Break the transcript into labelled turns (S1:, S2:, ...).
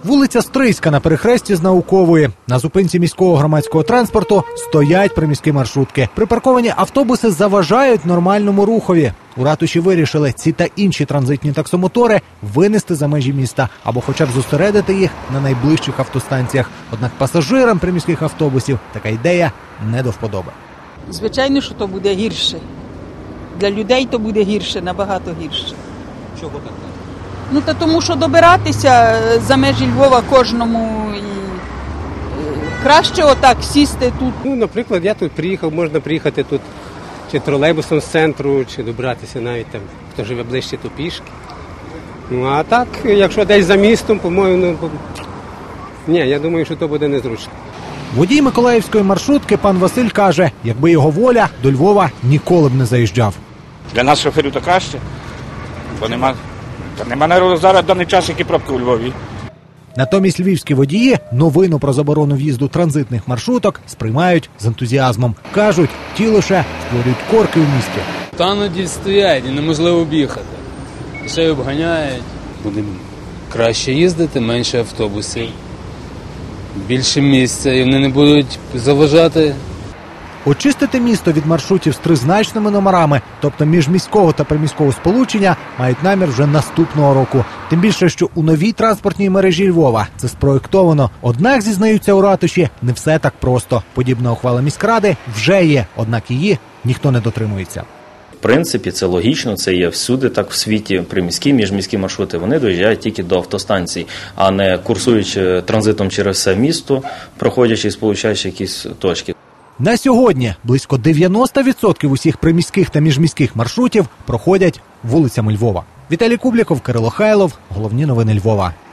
S1: Вулиця Стрийська на перехресті з Наукової. На зупинці міського громадського транспорту стоять приміські маршрутки. Припарковані автобуси заважають нормальному рухові. У ратуші вирішили ці та інші транзитні таксомотори винести за межі міста або хоча б зосередити їх на найближчих автостанціях. Однак пасажирам приміських автобусів така ідея не до вподоби.
S2: Звичайно, що то буде гірше. Для людей то буде гірше, набагато гірше.
S3: Чого так?
S2: Ну, та тому що добиратися за межі Львова кожному і краще отак сісти тут.
S3: Ну, наприклад, я тут приїхав, можна приїхати тут чи тролейбусом з центру, чи добратися навіть там, хто живе ближче, то пішки. Ну, а так, якщо десь за містом, по-моєму, ні, я думаю, що то буде незручно.
S1: Водій миколаївської маршрутки пан Василь каже, якби його воля, до Львова ніколи б не заїжджав.
S4: Для нас шоферів то краще, бо нема народу зараз в даний час, які пробки у Львові.
S1: Натомість львівські водії новину про заборону в'їзду транзитних маршруток сприймають з ентузіазмом. Кажуть, ті лише створюють корки в місті.
S5: Тануді стоять і неможливо об'їхати. Ще й обганяють. Буде краще їздити, менше автобусів, більше місця, і вони не будуть заважати.
S1: Очистити місто від маршрутів з тризначними номерами, тобто міжміського та приміського сполучення, мають намір вже наступного року. Тим більше, що у новій транспортній мережі Львова це спроєктовано. Однак, зізнаються у ратуші, не все так просто. Подібна ухвала міськради вже є, однак її ніхто не дотримується.
S6: В принципі, це логічно, це є всюди так в світі. Приміські, міжміські маршрути, вони доїжджають тільки до автостанцій, а не курсуючи транзитом через все місто, проходячи і сполучаючи якісь точки.
S1: На сьогодні близько 90% усіх приміських та міжміських маршрутів проходять вулицями Львова. Віталій Кубліков, Кирило Хайлов. Головні новини Львова.